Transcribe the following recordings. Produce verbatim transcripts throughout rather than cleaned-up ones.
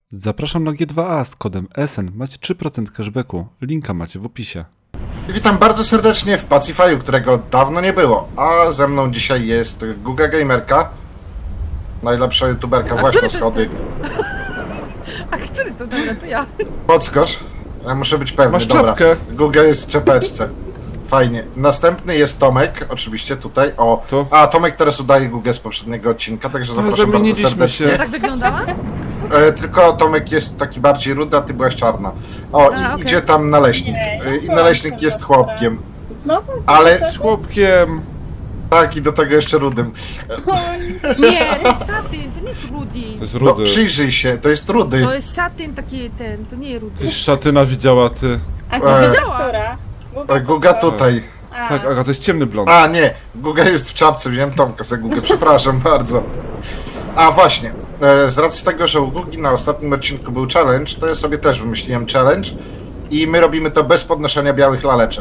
Zapraszam na G dwa A z kodem S N. Macie trzy procent cashbacku. Linka macie w opisie. Witam bardzo serdecznie w Pacify'u, którego dawno nie było. A ze mną dzisiaj jest Guga Gamerka. Najlepsza youtuberka, A właśnie który to schody. A który to dobra, to ja. Podskocz. Ja muszę być pewny, Masz dobra. czapkę. Guga jest w czepeczce. Fajnie. Następny jest Tomek, oczywiście tutaj. O, Tu. a Tomek teraz udaje Gugę z poprzedniego odcinka, także zapraszam bardzo zamieniliśmy serdecznie. się. Ja tak wyglądała? E, tylko Tomek jest taki bardziej rudy, a ty byłaś czarna. O, A, i okej. idzie tam naleśnik. Nie, E, ja I byłam naleśnik taka jest dobra. chłopkiem. Znowu? Ale- Z chłopkiem. Tak, i do tego jeszcze rudym. Nie, to jest satyn, to nie jest rudy. To jest No rudy. przyjrzyj się, to jest rudy. To jest satyn taki ten, to nie rudy. Ty szatyna widziała, ty. A E. to Wiedziała. która? E, Guga tutaj. A, Tak, Aga, to jest ciemny blond. A nie, Guga jest w czapce, wziąłem Tomka za Gugę, przepraszam bardzo. A właśnie, e, z racji tego, że u Gugi na ostatnim odcinku był challenge, to ja sobie też wymyśliłem challenge i my robimy to bez podnoszenia białych laleczek.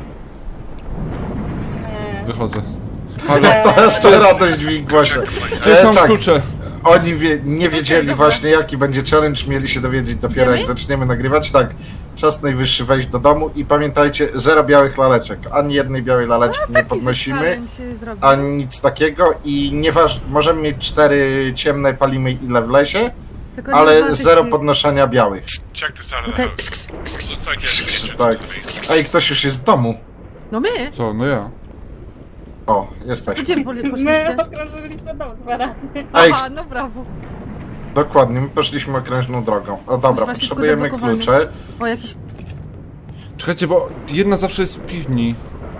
Wychodzę. Halo, To jest to radość w ich głosie. gdzie są E, tak, klucze? oni wie, nie wiedzieli właśnie jaki będzie challenge, mieli się dowiedzieć dopiero jak Idziemy? zaczniemy nagrywać. Tak, czas najwyższy wejść do domu i pamiętajcie, zero białych laleczek, ani jednej białej laleczki nie podnosimy. Ani nic takiego i nieważne, możemy mieć cztery ciemne, palimy ile wlezie, ale zero podnoszenia białych. Check this out of Okej. the house. Looks like there's an entrance Tak. to the basement. Ej, ktoś już jest w domu. No my? Co, no ja. O, jesteś. Gdzie wy poli- my poszliście? okrążyliśmy dom dwa razy. Ej, Aha, no brawo. dokładnie, my poszliśmy okrężną drogą. O dobra, Masz wszystko potrzebujemy zablokowane. klucze. O, jakiś... Czekajcie, bo jedna zawsze jest w piwni.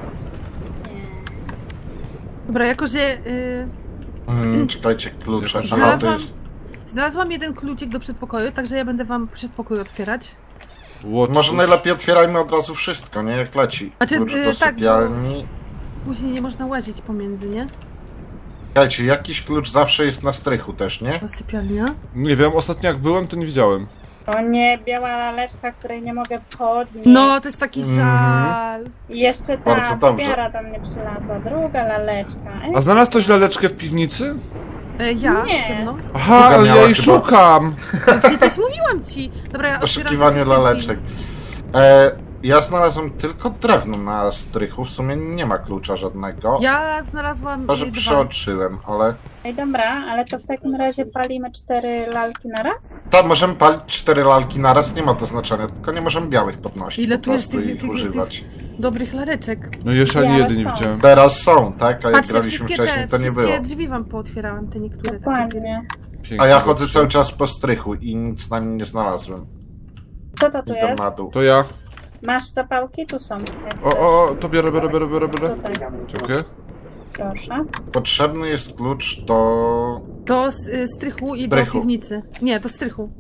Dobra, jako że... Y... Hmm, czekajcie, klucze. Jakoś Aha, to Znalazłam, jest... znalazłam jeden kluczyk do przedpokoju, także ja będę wam przedpokój otwierać. What? Może najlepiej otwierajmy od razu wszystko, nie? Jak leci. Znaczy, Klucz y, do tak, sypialni. Później nie można łazić pomiędzy, nie? Czekajcie, jakiś klucz zawsze jest na strychu też, nie? To sypialnia. Nie wiem, ostatnio jak byłem, to nie widziałem. O nie, biała laleczka, której nie mogę podnieść. No, to jest taki Mhm. żal. I jeszcze Bardzo ta dobrze. popiara do mnie przylazła, druga laleczka. Ej, A znalazł ktoś laleczkę w piwnicy? E, ja, Nie. ciemno. Aha, Druga ale ja miała jej chyba. szukam. Przecież mówiłam ci. Dobra, ja W otwieram poszukiwaniu te wszystkie laleczek. drzwi. E, ja znalazłem tylko drewno na strychu, w sumie nie ma klucza żadnego. Ja znalazłam Może y, dwa. przeoczyłem, ale... Ej, dobra, ale to w takim razie palimy cztery lalki na raz? Tak, możemy palić cztery lalki naraz, nie ma to znaczenia, tylko nie możemy białych podnosić, Ile po tu jest prostu tych- ich tych- używać. dobrych lareczek. No jeszcze ani Ja, jeden nie ale są. widziałem. Teraz są, tak? A jak Patrzcie, graliśmy wszystkie wcześniej, te, to nie wszystkie było. drzwi wam pootwierałam, te niektóre. takie. Dokładnie. Pięknie, A ja chodzę dobrze. cały czas po strychu i nic na nim nie znalazłem. Co to tu Idę jest? na dół. To ja. Masz zapałki? Tu są. Jak O, chcesz. o, o, to biorę, biorę, biorę, biorę, biorę. Tutaj, Czekaj. proszę. Potrzebny jest klucz do... To z y, strychu i do Strychu. piwnicy. Nie, do strychu.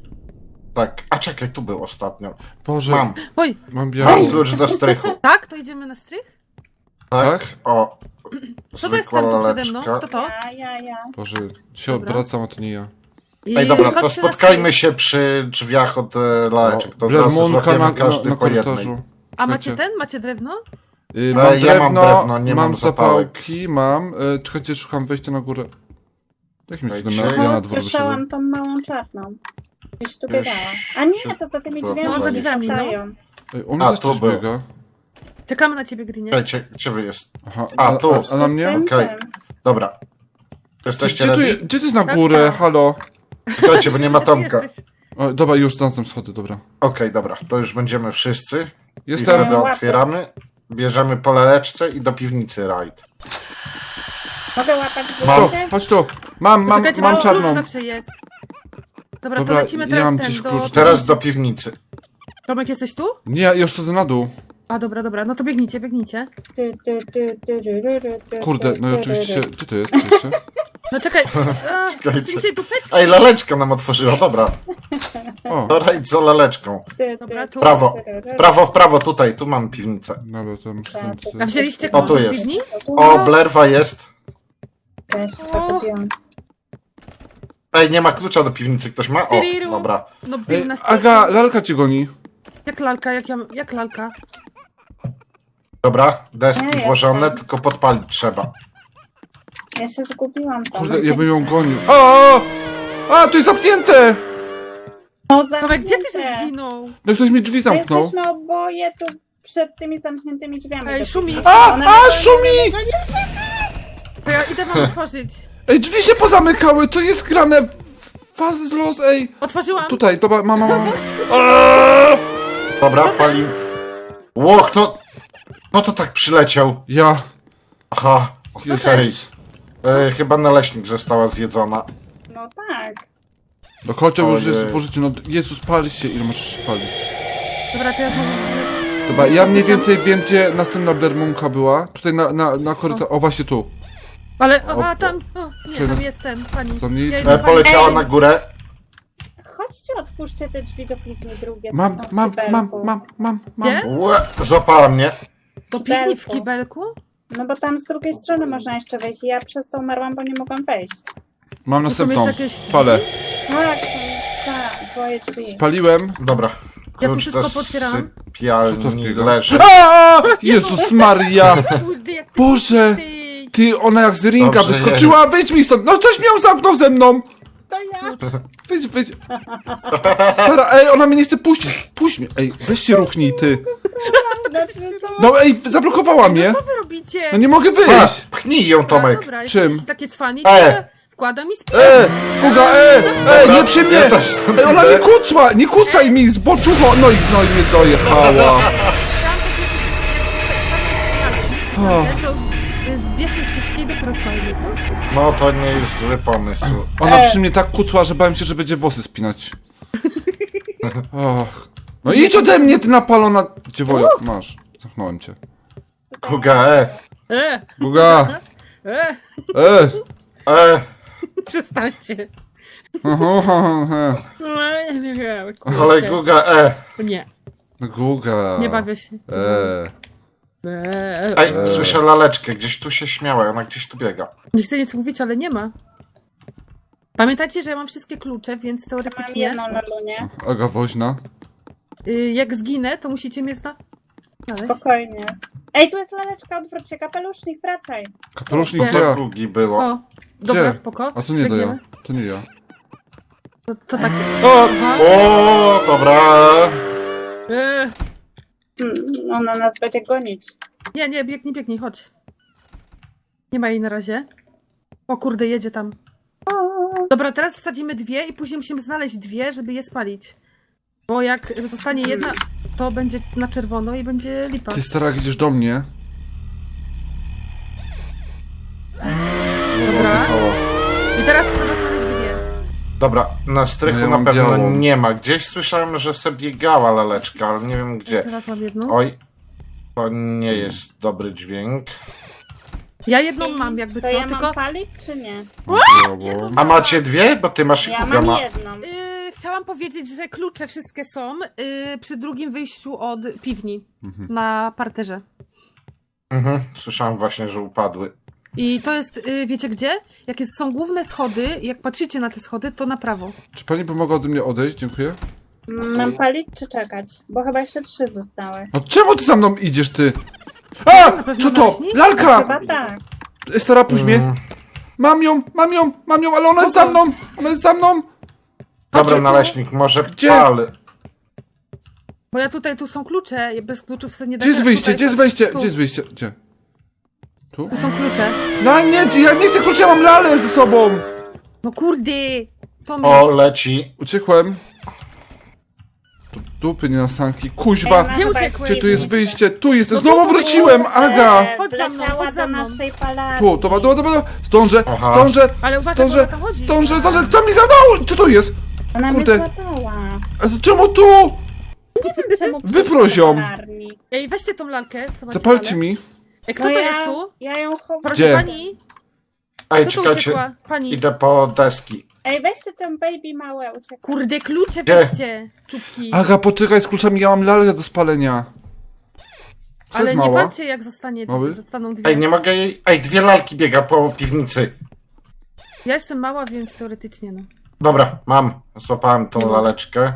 Tak, a czekaj, tu był ostatnio. Boże, Mam, Oj, mam mam białą. klucz do strychu. tak? To idziemy na strych? Tak? Tak? O, Co to jest zwykła tam tu przede mną? laleczka. To to? Ja, ja, ja. Boże, się Dobra. odwracam, a to nie ja. I Ej, dobra, to chodźcie na spotkajmy strych. się przy drzwiach od e, laleczek. To od razu Blemonka złapiemy na, na, każdy na po jednej. korytarzu. A macie Czekajcie. ten? Macie drewno? Y, E, mam ja mam drewno, drewno, nie mam zapałki, mam. Y, czekajcie, szukam wejścia na górę. Jakim cudem ja, Czekajcie. ja na O, dwór wyszedłem? słyszałam tą małą czarną. Gdzieś tu Wiesz, biegała. A nie, to za tymi to- drzwiami to za drzwiami, no. latają. Ej, on A, też tu coś był. biega. Czekamy na ciebie, Grinie. Czekajcie, gdzie wy jest? Aha, A, a, tu. a, a na mnie? Tym, Okej. tym. Dobra. Jesteście Gdzie tu, je- ready? gdzie to jest na Tak, górę? tak. Halo? Czekajcie, bo nie ma Gdzie ty Tomka. jesteś? O, dobra, już znalazłem schody, dobra. Okej, dobra, to już będziemy wszyscy. I Jestem. wtedy Łapy. otwieramy, bierzemy po laleczce i do piwnicy rajd. Mogę łapać w Mam. Tu, górę? chodź tu. Mam, mam, Czekajcie, mam klucz czarną. zawsze jest. Dobra, Dobra, to lecimy ja teraz mam ten, gdzieś do... klucz. Teraz do piwnicy. Tomek, jesteś tu? Nie, ja już chodzę na dół. A, dobra, dobra, no to biegnijcie, biegnijcie. Ty, ty, ty, ty, ty, ty, ty, ty, Kurde, no i ty, oczywiście. ty, ty. Gdzie to jest? Oczywiście. No czekaj. A, Czekajcie. Widzicie tupeczki? Ej, laleczka nam otworzyła, dobra. O, To rajd za laleczką. Ty, Dobra, ty, tu. Prawo, ty, ty, w prawo, w prawo, tutaj, tu mam piwnicę. dobra, to muszę tam... A wzięliście O, tu klucz od jest. piwni? O, blerwa jest. Też zakupiłam. Ej, nie ma klucza do piwnicy, ktoś ma? O, Tyriru. dobra. No Ej, bił na strych. Aga, lalka cię goni. Jak lalka, jak, ja, jak lalka? Dobra, deski Nie, włożone, jestem. tylko podpalić trzeba. Ja się zgubiłam tam. Kurde, ja bym ją gonił. O! o! A, tu jest zamknięte! No, Tomek, gdzie ty się zamknięte. zginął? No ktoś mi drzwi My zamknął. Jesteśmy oboje tu przed tymi zamkniętymi drzwiami. Ej, do szumi. piwnicy. A, One a, będą- szumi! To ja idę wam otworzyć. Ej, drzwi się pozamykały, co jest grane? Fazy z los, ej. Otworzyłam. Tutaj, dobra, mama, mama. Dobra, pali. Ło, kto... Kto to tak przyleciał? Ja. Aha, okej. Jezus. E, chyba naleśnik została zjedzona. No tak. No chociaż już Ojej. jest w użyciu, no Jezus, pali się, ile możesz się palić? Dobra, to ja znowu... Dobra, ja mniej więcej wiem, gdzie następna Bermunka była. Tutaj na, na, na korytarzu, o właśnie tu. Ale, o, a tam, o, nie, Czy- tam jestem, pani. To nie- Ja E, idę, pani. poleciała Ej. na górę. Chodźcie, otwórzcie te drzwi do piwni drugie, co Mam, są w mam, kibelku. mam, mam, mam, mam. Gdzie? Łe, złapała mnie. Do piwni w Kibelku. kibelku? No bo tam z drugiej strony można jeszcze wejść. Ja przez to umarłam, bo nie mogłam wejść. Mam są następną. jeszcze jakieś Palę. Tak, są, tak, dwoje drzwi. Paliłem. Dobra. Ja tu Klucz wszystko do potwierałam. Co to sypialni takiego? leży. Aaaa! Jezus Maria! Kurde, jak ty Boże! ty. Ty, ona jak z ringa Dobrze wyskoczyła, wyjdź mi stąd! No coś miał zamknął ze mną! To ja! Wyjdź, wyjdź. Stara, ej, ona mnie nie chce puścić. Puść mnie. Ej, weź się ruchnij, ty. Znaczy, to... No ej, zablokowała mnie. Co wy robicie? No nie mogę Pa, wyjść. pchnij ją, Dobra, Tomek. Dobra, Czym? jesteście takie cwani, to E. ja wkładam i spię. E, Kuga, e, ej, nie przy mnie. Ja też stąd Ej, ona idę. mi kucła, nie kucaj mi, zboczucho. No i, no i mnie dojechała. Chciałam powiedzieć, że jak zostawiać to zbierzmy wszystkie i dopiero spalimy, co? No to nie jest zły pomysł. Ona E. przy mnie tak kucła, że bałem się, że będzie włosy spinać. Och. No idź ode mnie, ty napalona. Dziewojo, masz. Zamknąłem cię. Kuga, e. E, Guga, e, e. E. przestańcie. No, nie wiem. Kolej Guga, e. Nie, Guga. nie bawię się. E. E, Ej, słyszę laleczkę, gdzieś tu się śmiała, ona gdzieś tu biega. Nie chcę nic mówić, ale nie ma. Pamiętajcie, że ja mam wszystkie klucze, więc Mam teoretycznie jedną lalunię. Aga woźna. y, jak zginę, to musicie mnie zna... znaleźć. Spokojnie. Ej, tu jest laleczka, odwróć się, kapelusznik, wracaj. Kapelusznik Gdzie? to Do ja. Gugi było. O, dobra, Gdzie? spoko. A to nie to ja. Biegniemy. To nie ja. To, to takie. O, Aha. o, dobra. E, Hmm, ona nas będzie gonić. nie, nie, biegnij, biegnij, chodź. Nie ma jej na razie. O kurde, jedzie tam. Dobra, teraz wsadzimy dwie i później musimy znaleźć dwie, żeby je spalić. Bo jak zostanie jedna, to będzie na czerwono i będzie lipa. Ty stara, jak idziesz do mnie. Dobra. I teraz trzeba znaleźć dwie. Dobra, na strychu No ja na mam pewno białą. nie ma. Gdzieś słyszałem, że sobie biegała laleczka, ale nie wiem gdzie. Teraz mam jedną. Oj, to nie jest dobry dźwięk. Ja jedną mam, jakby To co, ja tylko... mam palić, czy nie? A macie dwie? Bo ty masz i Ja Kuga mam ma. jedną. Yy, chciałam powiedzieć, że klucze wszystkie są yy, przy drugim wyjściu od piwni na parterze. Mhm, słyszałem właśnie, że upadły. I to jest, yy, wiecie gdzie? Jak jest, są główne schody, jak patrzycie na te schody, to na prawo. Czy pani by mogła ode mnie odejść? Dziękuję. Mam palić, czy czekać? Bo chyba jeszcze trzy zostały. No czemu ty za mną idziesz, ty? A! pewno Co to? naleśnik? Lalka! Chyba tak. Stara, puść mnie. Mm. Mam ją, mam ją, mam ją, ale ona jest za mną! Ona jest za mną! Dobra, Chodźcie tu. naleśnik, może Gdzie? pal. Bo ja tutaj, tu są klucze, ja bez kluczów sobie nie da Gdzie jest się- wyjście? tutaj Gdzie jest są- wejście? tu. Gdzie jest wyjście? Gdzie? Tu? Tu są klucze. No nie, ja nie chcę kluczy, ja mam lalę ze sobą! No kurde! To mi... O, leci. Uciekłem. Tu dupy nie na sanki. Ej, Kuźwa! ona Gdzie chyba uciekłeś? jest Gdzie tu jest wyjście? Tu jestem. No Znowu tu, wróciłem, Aga! E, Chodź za mną, wleciała chodź za do mną. naszej palarni. Tu, dobra, dobra, dobra, dobra. Zdążę, Aha. zdążę, Ale uważaj, zdążę, bo ona tam chodzi. zdążę, zdążę. Kto mi zadał? Co to jest? Ona Kurde. mnie złapała. A to czemu tu? Czemu Wyproś przyszła ją. do palarni? Ej, weźcie tą lalkę. Co macie Zapalcie dalej? mi. Ej, kto No to ja, jest tu? Ja ją chowam. Proszę Gdzie? pani. Ej, Kto tu czekajcie. uciekła? Pani. Idę po deski. Ej, weźcie ten baby małe, uciekaj. Kurde, klucze Gdzie? weźcie. Czubki. Aga, poczekaj z kluczami, ja mam lalę do spalenia. To Ale jest nie mała. walcie, jak zostanie, Mały? zostaną dwie. Ej, nie mogę jej... Ej, dwie lalki biega po piwnicy. Ja jestem mała, więc teoretycznie no. Dobra, mam. Złapałem tą No. laleczkę.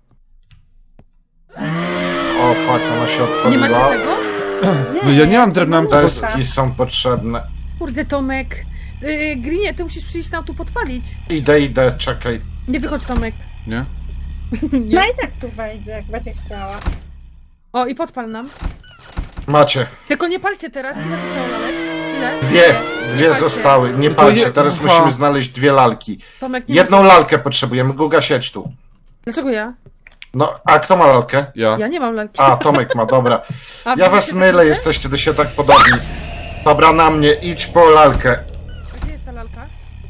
O, fuck, ona się Nie macie odpaliła. tego? No ja nie mam drewna, mam tylko... Deski są potrzebne. Kurde, Tomek. Yy, Grinie, ty musisz przyjść nam tu podpalić. Idę, idę, czekaj. Nie wychodź, Tomek. Nie? No i tak tu wejdzie, jak będzie chciała. O, i podpal nam. Macie. Tylko nie palcie teraz. Ile zostało lalek? Ile? Dwie, dwie palcie. zostały. Nie No to palcie, je- teraz Aha. musimy znaleźć dwie lalki. Tomek, nie Jedną ma- lalkę potrzebujemy. Guga, siedź tu. Dlaczego ja? No, a kto ma lalkę? Ja. Ja nie mam lalki. A, Tomek ma, dobra. A, Ja wy was się mylę, tak jesteście do siebie tak podobni. Dobra, na mnie, idź po lalkę. A gdzie jest ta lalka?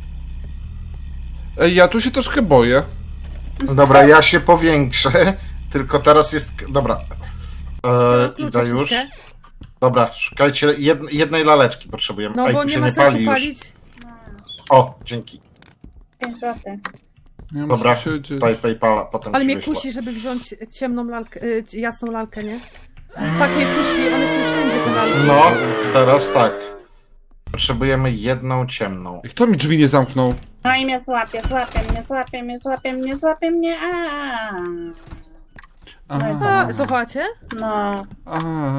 Ej, ja tu się troszkę boję. Dobra, ja się powiększę. Tylko teraz jest... Dobra. E, Klucze idę już. wszystkie. Dobra, szukajcie jed, jednej laleczki potrzebujemy. No Ej, bo tu nie się ma nie sensu pali już. palić. O, dzięki. pięć złotych. Nie wiem, Dobra, co się dzieje. daj Paypala, potem Ale ci mnie wyślę. kusi, żeby wziąć ciemną lalkę, y, jasną lalkę, nie? Tak mnie kusi, one są wszędzie te lalki. No, teraz tak. Potrzebujemy jedną ciemną. Ej, kto mi drzwi nie zamknął? No i mnie złapie, złapie mnie, złapie mnie, złapie mnie, złapie mnie, a. A, No i co? A, zobaczcie. No. a,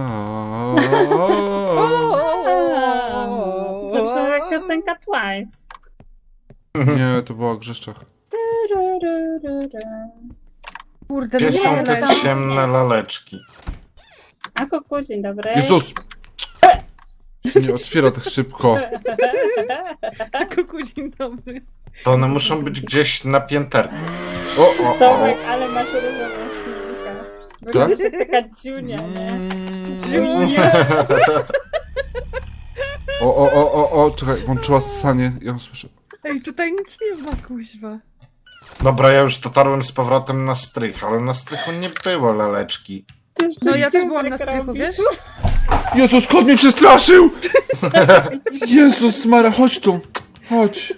To zabrzmiała jak piosenka Twice. Nie, to była Grzeszczak. Kurde, Gdzie no nie są ma te lalki. ciemne laleczki? A kuku, dzień dobry. Jezus! Się nie otwiera tak szybko. Kuku, dzień dobry. To one muszą być gdzieś na pięterku. O, o, o. Tomek, ale masz różową szminkę. Wyglądasz jak taka dziunia, nie? Dziunia. O, o, o, o, o, czekaj, włączyła ssanie, ja ją słyszę. Ej, tutaj nic nie ma, kuźwa. Dobra, ja już dotarłem z powrotem na strych, ale na strychu nie było laleczki. Ty jeszcze No ja też dziurek byłam na strychu, robisz. wiesz? Jezus, kot mnie przestraszył! Jezus Mara, chodź tu. Chodź.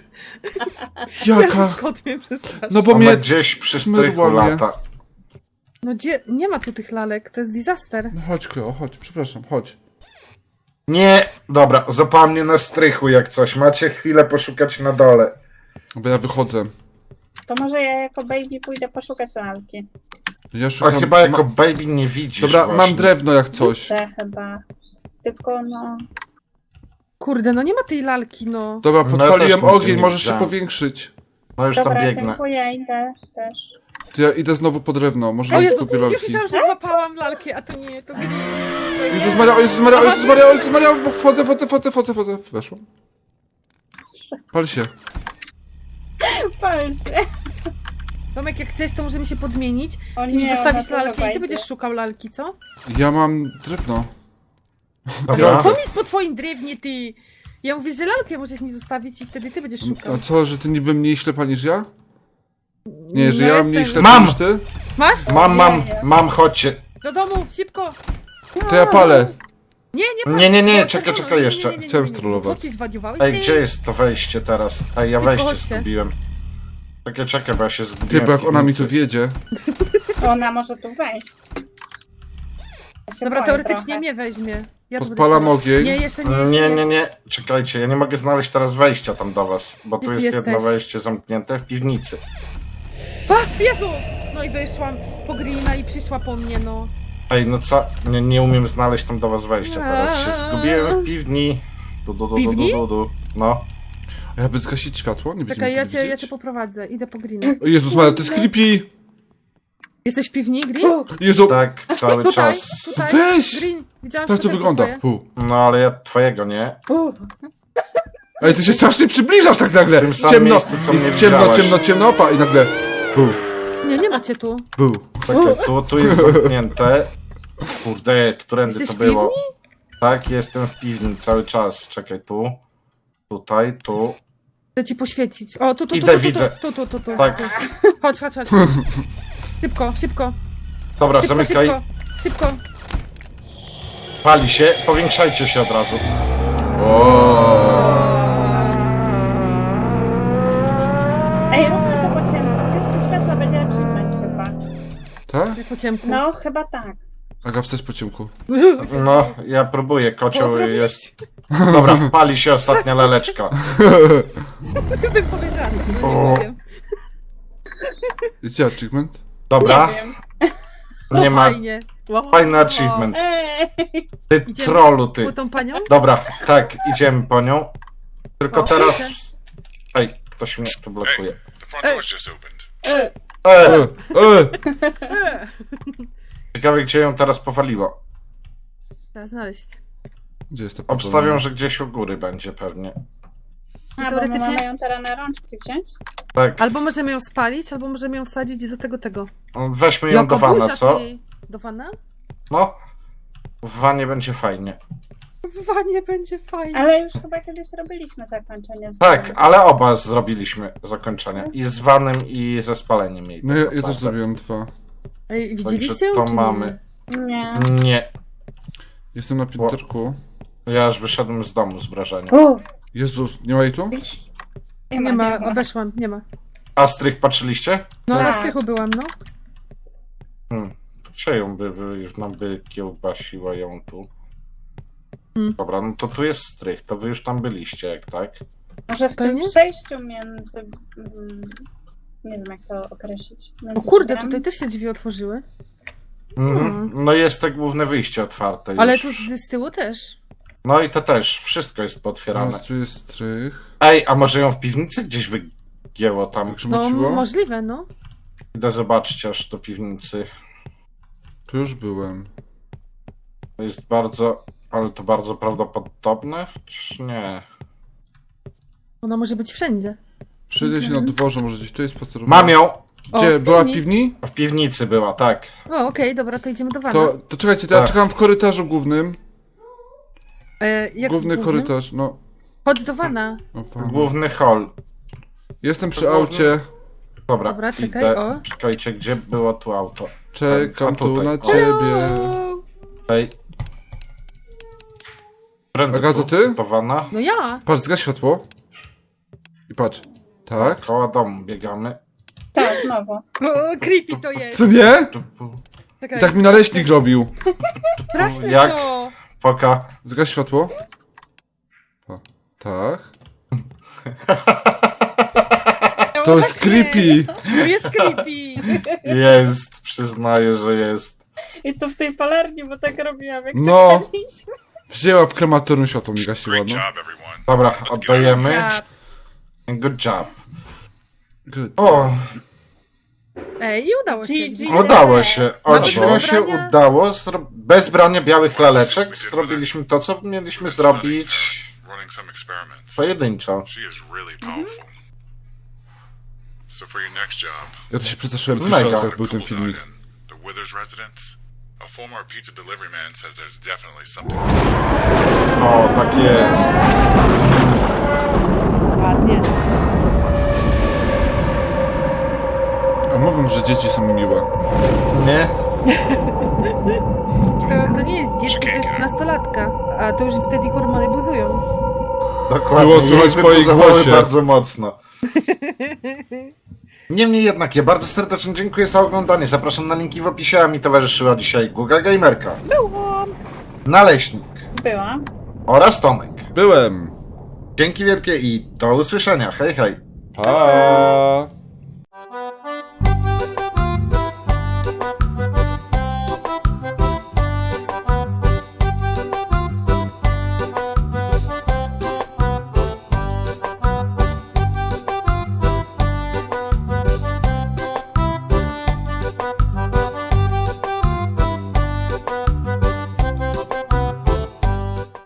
Jaka? Skąd mnie przestraszył? No bo Ona mnie... gdzieś przy smyrła strychu mnie. lata. No gdzie? Nie ma tu tych lalek, to jest disaster. No chodź, Kleo, chodź, przepraszam, chodź. Nie, dobra, złapała mnie na strychu jak coś. Macie chwilę poszukać na dole. Bo ja wychodzę. To może ja jako baby pójdę poszukać lalki. Ja A szukam... chyba jako ma... baby nie widzisz Dobra, właśnie. mam drewno jak coś. Te chyba. Tylko no... Kurde, no nie ma tej lalki, no. Dobra, No ja podpaliłem też nigdzie ogień, nie możesz się widziałem. powiększyć. No już tam Dobra, biegnę. dziękuję, idę też. To ja idę znowu po drewno, może O nie Jezu, skupię już lalki. myślałam, że złapałam lalkę, a to nie, to gri. Jezus Maria, o Jezus Maria, o Jezus Maria, o Jezus Maria, wchodzę, wchodzę, wchodzę, wchodzę, wchodzę, weszłam. Pal się. Pal się. Tomek, jak chcesz, to możemy się podmienić. O Ty mi nie, zostawisz ona tu lalkę i ty wejdzie. będziesz szukał lalki, co? Ja mam drewno. Dobra. Co mi jest po twoim drewnie, ty? Ja mówię, że lalkę możesz mi zostawić i wtedy ty będziesz szukał. A co, że ty niby mniej ślepa niż ja? Nie, że No ja mam jestem. mniej ślepa Mam! niż ty? Masz? Mam, mam, mam, chodźcie. Do domu, szybko! To ja palę. Nie, nie pal. Nie, nie, nie, No, czekaj, czerwono. czekaj Nie, jeszcze. nie, nie, nie, Chciałem nie, nie. strollować. Co ty zwariowałeś? Ej, Ty? gdzie jest to wejście teraz? Ej, ja wejście chodźcie. zgubiłem. Czekaj, czekaj, bo ja się Ty, zgubiłem. bo jak w ona mi piwnicy. tu wiedzie. Ona może tu wejść. Ja się Dobra, boję teoretycznie trochę. mnie weźmie. Ja tu Podpalam będę stała. ogień. Nie, jeszcze nie, jeszcze Nie, nie, nie, czekajcie, ja nie mogę znaleźć teraz wejścia tam do was, bo Gdzie tu ty jest jedno jesteś? wejście zamknięte w piwnicy. A, Jezu! No i wyszłam po Greena i przyszła po mnie, no. Ej, no co? Nie, nie umiem znaleźć tam do was wejścia teraz. Się zgubiłem w piwni. Du, du, du, du, Piwni? du, du, du. No. A ja by zgasić światło? Nie będziemy Czekaj, ja tego cię, ja widzieć? cię poprowadzę. Idę po Greena. O Jezus Maria, to jest creepy! Jesteś w piwni, Green? Jezu, Tak, cały Tutaj, czas. tutaj. Weź! Green, widziałam tak to światełko wygląda. twoje. Pu. No ale ja twojego nie. Ej, ty się strasznie przybliżasz tak nagle. W tym samym Ciemno, miejscu, co jest mnie ciemno, widziałaś. ciemno, ciemno, opa i nagle pu, Nie, nie macie tu. pu. Czekaj, tu, tu jest zamknięte. Kurde, którędy Jesteś to w było? Tak, jestem w piwni cały czas. Czekaj, tu. Tutaj, tu. Chcę ci poświecić. O, tu, tu, tu, Idę, tu, tu, widzę. tu, tu, tu, tu. Tak. Chodź, chodź, chodź. Szybko, szybko, Dobra, szybko, zamykaj. szybko, szybko. Pali się, powiększajcie się od razu. Ej, róbmy to po ciemku. Zgaście światła, będzie achievement chyba. Tak? Jak po ciemku. No, chyba tak. Aga, wstać po ciemku. No, ja próbuję, Co kocioł zrobić? jest. Dobra, pali się ostatnia laleczka. Bym powiedziała, co O. nie powiem. Gdzie achievement? Dobra, Nie wiem. No nie ma. fajnie. Wow. Fajny achievement. Ej! Ty Idziemy trollu, ty. Po tą panią? Dobra, tak, idziemy po nią. Tylko O, teraz. idę. Ej, ktoś mnie tu blokuje. The front door's just opened. E, E, e. ciekawe, gdzie ją teraz powaliło. Trzeba znaleźć. Gdzie jest to Obstawiam, że gdzieś u góry będzie pewnie. A, bo my Teoretycznie- mamy ją teraz na rączki wziąć? Tak, Albo możemy ją spalić, albo możemy ją wsadzić do tego, tego. weźmy ją do Jaka wana, buzia, co? ty. Do wana? No, w wanie będzie fajnie. W wanie będzie fajnie. Ale już chyba kiedyś robiliśmy zakończenie z Tak, Wanem. ale oba zrobiliśmy zakończenie. I z vanem, i ze spaleniem jej. No ja, tak ja też naprawdę. zrobiłem dwa. Ej, Także widzieliście ją, to czy nie? mamy. Nie. Nie, Jestem na pięterku. ja aż wyszedłem z domu z wrażenia. U, Jezus, nie ma jej tu? nie, Nie ma, ma, obeszłam, nie ma. A strych patrzyliście? No, Tak. na strychu byłam, no. Hmm. Czy ją by, by, już nam by kiełbasiła ją tu? Hmm. Dobra, no to tu jest strych, to wy już tam byliście, jak tak? Może w tym Pewnie? przejściu między... mm, Nie wiem, jak to określić. O Między kurde, drzwiami? tutaj też się drzwi otworzyły. Mhm. No jest te główne wyjście otwarte już. Ale tu z, z tyłu też. No i to też, wszystko jest Teraz potwierane. tu jest strych. Ej, a może ją w piwnicy gdzieś wygięło tam? No, Wygrzmociło? możliwe, no. Idę zobaczyć aż do piwnicy. Tu już byłem. To jest bardzo, ale to bardzo prawdopodobne, czy nie? Ona może być wszędzie. Przyjdę się na dworze, może gdzieś tu jest spacerowana. Mam ją! Gdzie? O, w Była w piwni- piwni? W piwnicy była, tak. O, okej, dobra, to idziemy do wana. To, to czekajcie, to ja Tak. czekam w korytarzu głównym. E, jak Główny w głównym? korytarz, no. Chodź do wana. O, fajnie. Główny hall. Jestem przy To główny- aucie. Dobra, Dobra, czekaj, idę. o. Czekajcie, gdzie było tu auto? Czekam A tu tutaj, na o. ciebie. O, Ej. Prędzej Aga, to tu, ty? do wana. no ja. Patrz, zgaś światło. I patrz. Tak? Koło domu biegamy. Tak, znowu. O, creepy to jest. Co nie? Tu, pu, I Czekaj, tak mi naleśnik robił. straszne jak? to. Poka. Zgaś światło. O, tak. To jest creepy. To jest creepy. Jest, przyznaję, że jest. I to w tej palarni, bo tak robiłam, jak No. czekaliśmy. Wzięła w krematorium światło mi gasiła, Great no. job, everyone. Dobra, oddajemy. Ja- Good job. Good. O, Ej, i udało się. G G. udało się. O Nawet dziwo bez się brania? udało. Zro... Bez brania białych laleczek zrobiliśmy to, co mieliśmy zrobić Running some experiments. pojedynczo. She is really powerful. So for your next job, Ja tu się przestraszyłem Mega. pierwszy raz, jak był cool ten filmik. dog in the Withers residence. A former pizza delivery man says there's definitely something. O, tak jest. Ładnie. A mówią, że dzieci są miłe. Nie? To, to nie jest dziecko, to jest nastolatka. A to już wtedy hormony buzują. Dokładnie. Było słychać Jej w twojej wybuzowały głosie. bardzo mocno. Niemniej jednak, ja bardzo serdecznie dziękuję za oglądanie. Zapraszam na linki w opisie, a mi towarzyszyła dzisiaj Guga Gamerka, Byłam. Naleśnik Była. oraz Tomek. Byłem. Dzięki wielkie i do usłyszenia. Hej, hej. Pa.